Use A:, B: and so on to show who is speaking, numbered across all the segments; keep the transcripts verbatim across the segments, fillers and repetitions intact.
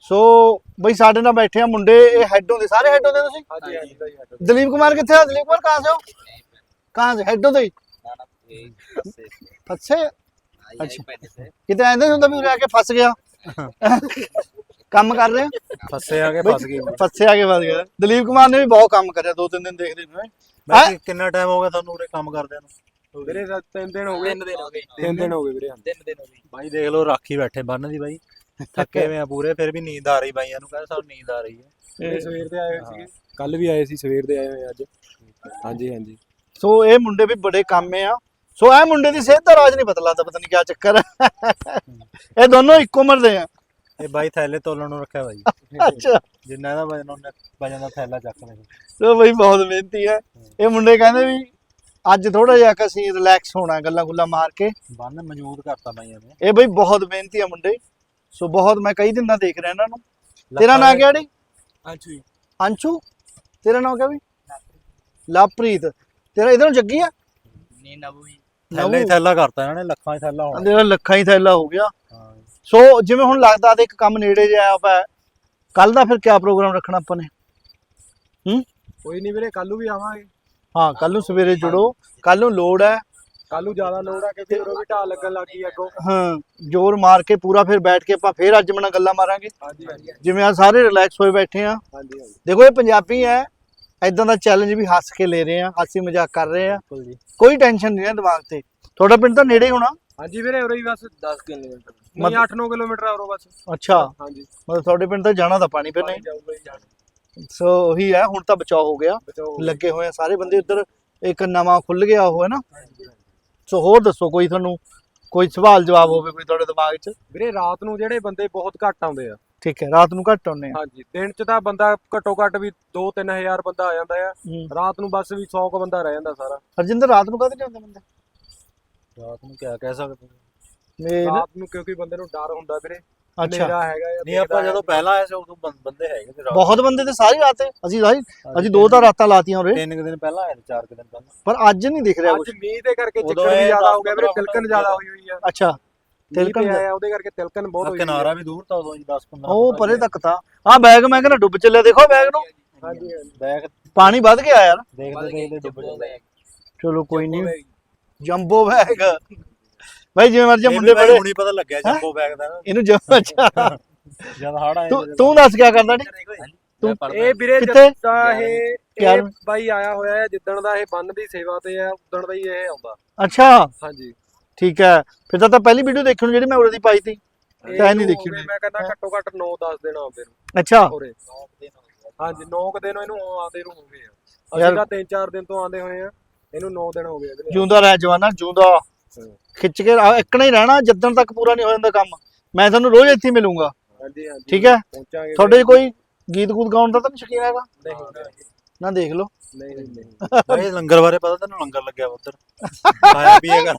A: ਸੋ ਬਈ ਸਾਡੇ ਨਾਲ ਬੈਠੇ ਆ ਮੁੰਡੇ, ਇਹ ਹੈਡੋਂ ਦੇ ਸਾਰੇ ਹੈਡੋਂ ਦੇ ਤੁਸੀਂ?
B: ਹਾਂਜੀ ਹਾਂਜੀ।
A: ਦਲੀਪ ਕੁਮਾਰ ਕਿੱਥੇ ਆ? ਦਲੀਪ ਕੁਮਾਰ ਕਹਾਂ ਸੇ ਹੋ? ਕਹਾਂ ਸੇ? ਹੈਡੋਂ ਦੇ ਫਸੇ? ਅੱਛਾ ਕਿਤੇ ਆਂਦੇ ਹੁੰਦਾ ਵੀ ਉਰੇ ਆ ਕੇ ਫਸ ਗਿਆ ਕੰਮ ਕਰ ਰਹੇ
B: ਫਸੇ ਆ ਕੇ ਫਸ ਗਏ
A: ਫਸੇ ਆ ਕੇ ਫਸ ਗਿਆ। ਦਲੀਪ ਕੁਮਾਰ ਨੇ ਵੀ ਬਹੁਤ ਕੰਮ ਕਰਿਆ, ਦੋ ਤਿੰਨ ਦਿਨ ਦੇਖਦੇ ਨੂੰ।
B: ਬਾਕੀ ਕਿੰਨਾ ਟਾਈਮ ਹੋ ਗਿਆ ਤੁਹਾਨੂੰ ਉਰੇ ਕੰਮ ਕਰਦਿਆਂ ਨੂੰ?
C: ਵੀਰੇ ਤਿੰਨ ਦਿਨ ਹੋ ਗਏ। ਤਿੰਨ ਦਿਨ ਹੋ ਗਏ
B: ਤਿੰਨ ਦਿਨ ਹੋ ਗਏ ਵੀਰੇ।
C: ਤਿੰਨ ਦਿਨ ਹੋ ਗਏ
B: ਬਾਈ ਦੇਖ ਲਓ ਰਾਖੀ ਬੈਠੇ ਬੰਨ ਦੀ ਬਾਈ, ਥੱਕੇ ਹੋਏ ਆ ਪੂਰੇ, ਫਿਰ ਵੀ ਨੀਂਦ ਆ ਰਹੀ ਬਾਈਆਂ ਨੂੰ, ਕਹਿੰਦੇ ਸਾਨੂੰ ਨੀਂਦ ਆ ਰਹੀ ਹੈ।
C: ਸਵੇਰ ਦੇ ਆਏ ਹੋਏ ਸੀਗੇ, ਕੱਲ ਵੀ ਆਏ ਸੀ, ਸਵੇਰ ਦੇ ਆਏ ਹੋਏ ਅੱਜ। ਹਾਂਜੀ ਹਾਂਜੀ।
A: ਸੋ ਇਹ ਮੁੰਡੇ ਵੀ ਬੜੇ ਕਾਮੇ ਆ। ਸੋ ਇਹ ਮੁੰਡੇ ਦੀ ਸਿਹਤ ਦਾ ਰਾਜ ਨਹੀਂ ਪਤਾ ਲੱਗਦਾ, ਪਤਾ ਨਹੀਂ ਕੀ ਚੱਕਰ ਹੈ। ਇਹ ਦੋਨੋਂ ਇੱਕੋ ਉਮਰ ਦੇ ਆ।
B: ਇਹ ਬਾਈ ਥੈਲੇ ਤੋਲਣ ਨੂੰ ਰੱਖਿਆ ਬਾਈ।
A: ਅੱਛਾ
B: ਜਿੰਨਾ ਇਹਦਾ ਵਜਨ ਉਹਨੇ ਵਜਨ ਦਾ ਥੈਲਾ ਚੱਕ ਲੈ।
A: ਸੋ ਬਈ ਬਹੁਤ ਮਿਹਨਤੀ ਹੈ ਇਹ ਮੁੰਡੇ। ਕਹਿੰਦੇ ਵੀ ਅੱਜ ਥੋੜਾ ਜਿਹਾ ਕਿ ਅਸੀਂ ਰਿਲੈਕਸ ਹੋਣਾ, ਗੱਲਾਂ ਗੁੱਲਾਂ ਮਾਰ ਕੇ।
B: ਬੰਨ ਮੌਜੂਦ ਕਰਤਾ ਬਾਈਆਂ ਨੇ।
A: ਇਹ ਬਈ ਬਹੁਤ ਮਿਹਨਤੀ ਆ ਮੁੰਡੇ। ਸੋ ਬਹੁਤ, ਮੈਂ ਕਈ ਦਿਨ ਦਾ ਦੇਖ ਰਿਹਾ ਇਹਨਾਂ ਨੂੰ। ਤੇਰਾ ਨਾਂ ਕਿਹੜਾ?
C: ਅੰਸ਼ੂ।
A: ਅੰਸ਼ੂ। ਤੇਰਾ ਨਾਂ ਕਿਆ ਬਈ? ਲਵਪ੍ਰੀਤ। ਤੇਰਾ ਇਧਰੋਂ ਜੱਗੀ ਆ?
C: ਨਹੀਂ ਨਵੂ ਹੀ।
B: ਥੈਲਾ ਹੀ ਥੈਲਾ ਕਰਤਾ ਇਹਨਾਂ ਨੇ, ਲੱਖਾਂ ਹੀ ਥੈਲਾ ਹੋਣਾ।
A: ਤੇਰਾ ਲੱਖਾਂ ਹੀ ਥੈਲਾ ਹੋ ਗਿਆ।
B: ਹਾਂ।
A: ਸੋ ਜਿਵੇਂ ਹੁਣ ਲੱਗਦਾ ਤੇ ਇੱਕ ਕੰਮ ਨੇੜੇ ਜਿਹਾ ਆਇਆ ਪਿਆ, ਕੱਲ ਦਾ ਫਿਰ ਕਿਆ ਪ੍ਰੋਗਰਾਮ ਰੱਖਣਾ ਆਪਾਂ ਨੇ? ਹੂੰ
C: ਕੋਈ ਨਹੀਂ ਵੀਰੇ, ਕੱਲ ਨੂੰ ਵੀ ਆਵਾਂਗੇ।
A: ਹਾਂ ਕੱਲ ਨੂੰ ਸਵੇਰੇ ਜੁੜੋ, ਕੱਲ ਨੂੰ ਲੋੜ ਹੈ।
C: ਕੱਲ ਨੂੰ ਜ਼ਿਆਦਾ ਲੋੜ ਆ ਕਿਉਂਕਿ ਉਹ ਵੀ ਢਾਲ ਲੱਗਣ ਲੱਗ ਗਈ ਅੱਗੋਂ।
A: ਹਾਂ ਜ਼ੋਰ ਮਾਰ ਕੇ ਪੂਰਾ ਫਿਰ ਬੈਠ ਕੇ ਆਪਾਂ ਫੇਰ ਅੱਜ ਮਨਾ ਗੱਲਾਂ ਮਾਰਾਂਗੇ।
C: ਹਾਂਜੀ ਹਾਂਜੀ
A: ਜਿਵੇਂ ਆ ਸਾਰੇ ਰਿਲੈਕਸ ਹੋਏ ਬੈਠੇ ਆ।
C: ਹਾਂਜੀ ਹਾਂਜੀ।
A: ਦੇਖੋ ਇਹ ਪੰਜਾਬੀ ਹੈ, ਐਦਾਂ ਦਾ ਚੈਲੰਜ ਵੀ ਹੱਸ ਕੇ ਲੈ ਰਹੇ ਆ, ਹਾਸੀ ਮਜ਼ਾਕ ਕਰ ਰਹੇ ਆ,
B: ਜੀ।
A: ਕੋਈ ਟੈਨਸ਼ਨ ਨਹੀਂ ਹੈ ਦਿਮਾਗ ਤੇ। ਤੁਹਾਡਾ ਪਿੰਡ ਤਾਂ ਨੇੜੇ ਹੀ ਹੋਣਾ?
C: ਹਾਂਜੀ ਵੀਰੇ ਉਰੇ ਹੀ ਬਸ ਦਸ ਕਿਲੋਮੀਟਰ, ਨਹੀਂ ਅੱਠ ਨੌ ਕਿਲੋਮੀਟਰ ਆ ਉਰੋਂ ਬਸ।
A: ਅੱਛਾ
C: ਹਾਂਜੀ
A: ਮਤਲਬ ਤੁਹਾਡੇ ਪਿੰਡ ਤਾਂ ਜਾਣਾ ਤਾਂ ਪਾਣੀ ਫਿਰ ਨਹੀਂ।
C: ਜਾਊਗਾ ਹੀ ਜਾਣਾ।
A: ਸੋ ਉਹੀ ਹੈ, ਹੁਣ ਤਾਂ ਬਚਾਅ ਹੋ ਗਿਆ,
C: ਬਚਾਓ।
A: ਲੱਗੇ ਹੋਏ ਆ ਸਾਰੇ ਬੰਦੇ ਉੱਧਰ। ਇੱਕ ਨਵਾਂ ਖੁੱਲ ਗਿਆ ਉਹ ਹੈ ਨਾ। ਸੋ ਹੋਰ ਦੱਸੋ, ਕੋਈ ਤੁਹਾਨੂੰ ਕੋਈ ਸਵਾਲ ਜਵਾਬ ਹੋਵੇ ਕੋਈ ਤੁਹਾਡੇ ਦਿਮਾਗ 'ਚ?
C: ਵੀਰੇ ਰਾਤ ਨੂੰ ਜਿਹੜੇ ਬੰਦੇ ਬਹੁਤ ਘੱਟ ਆਉਂਦੇ ਆ।
A: ਠੀਕ ਹੈ, ਰਾਤ ਨੂੰ ਘੱਟ ਆਉਂਦੇ ਆ।
C: ਹਾਂਜੀ ਦਿਨ 'ਚ ਤਾਂ ਬੰਦਾ ਘੱਟੋ ਘੱਟ ਵੀ ਦੋ ਤਿੰਨ ਹਜ਼ਾਰ ਬੰਦਾ ਆ ਜਾਂਦਾ ਆ।
A: ਹੂੰ।
C: ਰਾਤ ਨੂੰ ਬਸ ਵੀ ਸੌ ਕੁ ਬੰਦਾ ਰਹਿ ਜਾਂਦਾ ਸਾਰਾ।
A: ਹਰਜਿੰਦਰ ਰਾਤ ਨੂੰ ਕਦੇ ਨਹੀਂ ਆਉਂਦੇ ਬੰਦੇ?
B: ਰਾਤ ਨੂੰ ਕਿਆ ਕਹਿ ਸਕਦੇ?
A: ਮੇਰੇ
C: ਰਾਤ ਨੂੰ ਕਿਉਂਕਿ ਬੰਦੇ ਨੂੰ ਡਰ ਹੁੰਦਾ ਵੀਰੇ।
A: ਅੱਛਾ
C: ਹਨੇਰਾ ਹੈਗਾ ਆ,
B: ਨਹੀਂ ਆਪਾਂ ਜਦੋਂ ਪਹਿਲਾਂ ਆਏ ਸੀ ਉਦੋਂ ਬੰ- ਬੰਦੇ ਹੈਗੇ ਤੇ ਰਾਤ
A: ਬਹੁਤ ਬੰਦੇ ਤੇ ਸਾਰੀ ਰਾਤ ਹੈ। ਅਸੀਂ ਸਾਰੀ ਅਸੀਂ ਦੋ ਤਾਂ ਰਾਤਾਂ ਲਾਤੀਆਂ ਉਰੇ,
B: ਤਿੰਨ ਕੁ ਦਿਨ ਪਹਿਲਾਂ ਆਏ, ਚਾਰ ਕੁ ਦਿਨ ਪਹਿਲਾਂ।
A: ਪਰ ਅੱਜ ਨਹੀਂ ਦਿਖ ਰਿਹਾ
C: ਅੱਜ
A: ਕੁਝ।
C: ਮੀਂਹ ਦੇ ਕਰਕੇ
B: ਉਦੋਂ
C: ਚੱਕਰ ਵੀ
B: ਇਹ
C: ਜ਼ਿਆਦਾ ਹੋ
B: ਦਸ
C: ਗਿਆ ਵੀਰੇ,
B: ਪੰਦਰਾਂ
C: ਤਿਲਕਣ ਜ਼ਿਆਦਾ ਹੋਈ ਹੋਈ ਆ।
A: ਅੱਛਾ
C: ਤਿਲਕਣ
A: ਤਿਲਕਣ
C: ਆਇਆ ਉਹਦੇ ਕਰਕੇ ਤਿਲਕਣ ਬਹੁਤ ਹੋਈ ਹੋਈ ਆ।
B: ਕਿਨਾਰਾ ਵੀ ਦੂਰ ਤਾਂ ਉਦੋਂ ਜੀ ਦਸ ਪੰਦਰਾਂ।
A: ਉਹ ਪਰੇ ਤੱਕ ਤਾਂ ਆ ਬੈਗ ਮੈਂ ਕਹਿੰਦਾ ਡੁੱਬ ਚੱਲਿਆ। ਦੇਖੋ ਬੈਗ ਨੂੰ,
C: ਹਾਂਜੀ ਹਾਂਜੀ।
B: ਬੈਗ
A: ਪਾਣੀ ਵੱਧ ਗਿਆ ਯਾਰ।
B: ਦੇਖਦੇ ਦੇਖਦੇ ਡੁੱਬ ਜਾਂਦੇ।
A: ਚਲੋ ਕੋਈ ਨਹੀਂ, ਜੰਬੋ ਬੈਗ ਭਾਈ ਜਿਵੇਂ ਮਰਜੀ ਮੁੰਡੇ
B: ਬੜੇ
A: ਬੜੇ
B: ਹੁਣੀ ਪਤਾ ਲੱਗਿਆ ਜੰਬੋ ਬੈਗ ਦਾ ਨਾ,
A: ਇਹਨੂੰ ਜੰਮ। ਅੱਛਾ
B: ਜਦ ਹੜ ਆਏ
A: ਤੂੰ ਤੂੰ ਦੱਸ ਕਿਆ ਕਰਦਾ ਨੀ?
B: ਤੂੰ
C: ਇਹ ਵੀਰੇ
A: ਕਿੱਥੇ?
C: ਜਿੱਦਾਂ ਇਹ
A: ਕਿਆ?
C: ਇਹ ਬਾਈ ਆਇਆ ਹੋਇਆ ਹੈ, ਜਿੱਦਣ ਦਾ ਇਹ ਬੰਨ ਦੀ ਸੇਵਾ ਤੇ ਹੈ ਉਦਣ ਦਾ ਹੀ ਇਹ ਆਉਂਦਾ।
A: ਅੱਛਾ
C: ਹਾਂਜੀ
A: ਠੀਕ ਹੈ, ਫਿਰ ਤਾਂ ਤਾਂ ਪਹਿਲੀ ਵੀਡੀਓ ਦੇਖਣ ਨੂੰ ਜਿਹੜੀ ਮੈਂ ਉਰੇ ਦੀ ਪਾਈ ਤੀ
C: ਇਹ
A: ਤਾਂ ਨਹੀਂ
C: ਨੂੰ
A: ਦੇਖੀ
C: ਹੋ ਗਏ,
A: ਉਹਨੇ।
C: ਮੈਂ ਕਹਿੰਦਾ ਘੱਟੋ ਘੱਟ ਨੌ ਦਸ ਦਿਨ ਆਉਂਦੇ ਨੂੰ
A: ਅੱਛਾ
C: ਉਰੇ। ਹਾਂਜੀ ਨੌ ਕੁ ਦਿਨ ਇਹਨੂੰ ਆਉਂਦੇ ਨੂੰ ਹੋ ਗਏ ਆ।
A: ਯਾਰ-
C: ਅਸੀਂ ਤਾਂ ਤਿੰਨ ਚਾਰ ਦਿਨ ਤੋਂ ਆਉਂਦੇ ਹੋਏ ਆ, ਇਹਨੂੰ ਨੌ ਦਿਨ ਹੋ ਗਏ ਆ ਵੀਰੇ।
A: ਜਿਉਂਦਾ ਰਹਿ ਜਵਾਨਾ, ਜਿਉਂਦਾ ਖਿੱਚ ਕੇ ਆ- ਇੱਕਣਾ ਹੀ ਰਹਿਣਾ ਜਦੋਂ ਤੱਕ ਪੂਰਾ ਨਹੀਂ ਹੋ ਜਾਂਦਾ ਕੰਮ। ਮੈਂ ਤੁਹਾਨੂੰ ਰੋਜ਼ ਇੱਥੇ ਹੀ ਮਿਲੂੰਗਾ,
C: ਹਾਂਜੀ ਹਾਂਜੀ
A: ਠੀਕ ਹੈ?
C: ਪਹੁੰਚਾਂਗੇ
A: ਤੁਹਾਡੇ 'ਚ ਕੋਈ ਗੀਤ ਗੂਤ ਗਾਉਣ ਦਾ ਤਾਂ ਨਹੀਂ ਸ਼ੌਕੀਨ ਹੈਗਾ?
C: ਨਹੀਂ
A: ਨਾ ਦੇਖ ਲਓ।
C: ਨਹੀਂ ਨਹੀਂ ਨਹੀਂ
B: ਬਾਈ ਲੰਗਰ ਬਾਰੇ ਪਤਾ ਤੈਨੂੰ? ਲੰਗਰ ਲੱਗਿਆ ਵਾ ਉੱਧਰ, ਖਾਇਆ ਪੀਏਗਾ।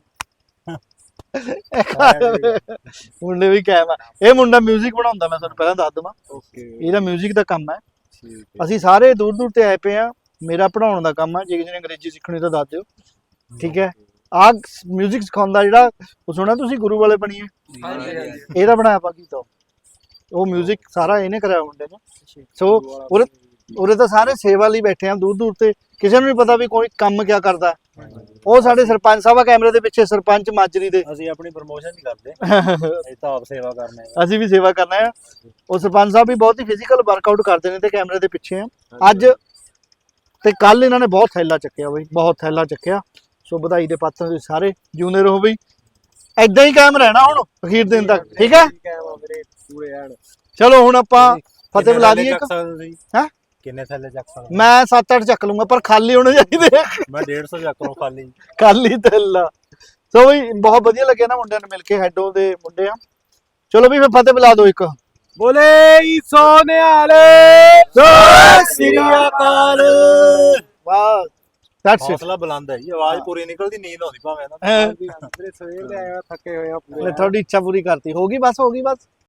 A: ਮੁੰਡੇ ਵੀ ਕਾਇਮ ਆ। ਇਹ ਮੁੰਡਾ 뮤직 ਬਣਾਉਂਦਾ, ਮੈਂ ਤੁਹਾਨੂੰ ਪਹਿਲਾਂ ਦੱਸ ਦਵਾਂ।
C: ਓਕੇ
A: ਇਹਦਾ 뮤직 ਦਾ ਕੰਮ ਹੈ।
C: ਠੀਕ
A: ਅਸੀਂ ਸਾਰੇ ਦੂਰ ਦੂਰ ਤੇ ਆਏ ਪਏ ਆ। ਮੇਰਾ ਪੜਾਉਣ ਦਾ ਕੰਮ ਹੈ, ਜੇ ਕਿਸੇ ਨੇ ਅੰਗਰੇਜ਼ੀ ਸਿੱਖਣੀ ਤਾਂ ਦੱਸ ਦਿਓ, ਠੀਕ ਹੈ? ਆਹ 뮤직 ਸਿਖਾਉਂਦਾ ਜਿਹੜਾ, ਉਹ ਸੁਣਿਆ ਤੁਸੀਂ ਗੁਰੂ ਵਾਲੇ ਬਣੀਏ?
C: ਹਾਂਜੀ ਹਾਂਜੀ
A: ਇਹਦਾ ਬਣਾਇਆ ਬਾਕੀ ਤਾਂ ਉਹ 뮤직 ਸਾਰਾ ਇਹਨੇ ਕਰਾਇਆ ਮੁੰਡੇ ਨੇ। ਸੋ ਉਰੇ ਉਰੇ ਤਾਂ ਸਾਰੇ ਸੇਵਾ ਲਈ ਬੈਠੇ ਆ ਦੂਰ ਦੂਰ ਤੇ, ਕਿਸੇ ਨੂੰ ਨਹੀਂ ਪਤਾ ਵੀ ਕੋਈ ਕੰਮ ਕਿਆ ਕਰਦਾ। ਉਹ ਸਾਡੇ ਸਰਪੰਚ ਸਾਹਿਬ ਆ ਕੈਮਰੇ ਦੇ ਪਿੱਛੇ, ਸਰਪੰਚ ਮਾਜਰੀ ਦੇ।
B: ਅਸੀਂ ਆਪਣੀ ਪ੍ਰਮੋਸ਼ਨ ਨਹੀਂ ਕਰਦੇ, ਅਸੀਂ ਤਾਂ ਆਪ ਸੇਵਾ ਕਰਨੇ ਆ।
A: ਅਸੀਂ ਵੀ ਸੇਵਾ ਕਰਨਾ ਹੈ। ਉਹ ਸਰਪੰਚ ਸਾਹਿਬ ਵੀ ਬਹੁਤ ਹੀ ਫਿਜ਼ੀਕਲ ਵਰਕਆਊਟ ਕਰਦੇ ਨੇ ਤੇ ਕੈਮਰੇ ਦੇ ਪਿੱਛੇ ਆ। ਅੱਜ ਤੇ ਕੱਲ ਇਹਨਾਂ ਨੇ ਬਹੁਤ ਥੈਲਾ ਚੱਕਿਆ ਬਈ, ਬਹੁਤ ਥੈਲਾ ਚੱਕਿਆ। ਸੋ ਵਧਾਈ ਦੇ ਪਾਤਰ ਤੁਸੀਂ ਸਾਰੇ, ਜਿਉਂਦੇ ਰਹੋ ਬਈ। ਐਦਾਂ ਹੀ ਕਾਇਮ ਰਹਿਣਾ ਹੁਣ ਅਖੀਰ ਦਿਨ ਤੱਕ, ਠੀਕ ਹੈ?
C: ਵੀਰੇ ਪੂਰੇ ਐਨ।
A: ਚਲੋ ਹੁਣ ਆਪਾਂ ਫਤਿਹ
B: ਕਿੰਨੇ
A: ਬੁਲਾ
B: ਥੈਲੇ
A: ਲਈਏ।
B: ਚੱਕ ਸਕਦੇ ਤੁਸੀਂ?
A: ਹੈਂ?
B: ਕਿੰਨੇ ਥੈਲੇ ਚੱਕ ਸਕਦੇ?
A: ਮੈਂ ਸੱਤ ਅੱਠ ਚੱਕ ਲੂੰਗਾ, ਪਰ ਖਾਲੀ ਹੋਣੇ ਚਾਹੀਦੇ।
B: ਮੈਂ ਡੇਢ ਸੌ ਚੱਕ ਲਵਾਂ ਖਾਲੀ।
A: ਖਾਲੀ ਥੈਲਾ। ਸੋ ਬਈ ਬਹੁਤ ਵਧੀਆ ਲੱਗਿਆ ਨਾ ਮੁੰਡਿਆਂ ਨੂੰ ਮਿਲ ਕੇ, ਹੈਡੋ ਦੇ ਮੁੰਡੇ ਆ। ਚਲੋ ਵੀ ਫਿਰ ਫਤਿਹ ਬੁਲਾ ਦਿਓ ਇੱਕ।
C: ਬੋਲੇ ਸੋ ਨਿਹਾਲੇ
A: ਸਤਿ
B: ਸ੍ਰੀ ਅਕਾਲ।
A: ਵਾਹ ਦੈਟਸ ਇਟ।
B: ਹੌਸਲਾ ਬੁਲੰਦ ਹੈ ਜੀ, ਆਵਾਜ਼ ਪੂਰੀ ਨਿਕਲਦੀ, ਨੀਂਦ ਆਉਂਦੀ ਭਾਵੇਂ ਨਾ।
C: ਵੀਰੇ ਸਵੇਰ ਦੇ ਆਏ ਆ, ਥੱਕੇ ਹੋਏ ਆ ਪੂਰੇ।
A: ਤੁਹਾਡੀ ਇੱਛਾ ਪੂਰੀ ਕਰਤੀ, ਹੋ ਗਈ ਬਸ, ਹੋ ਗਈ ਬਸ।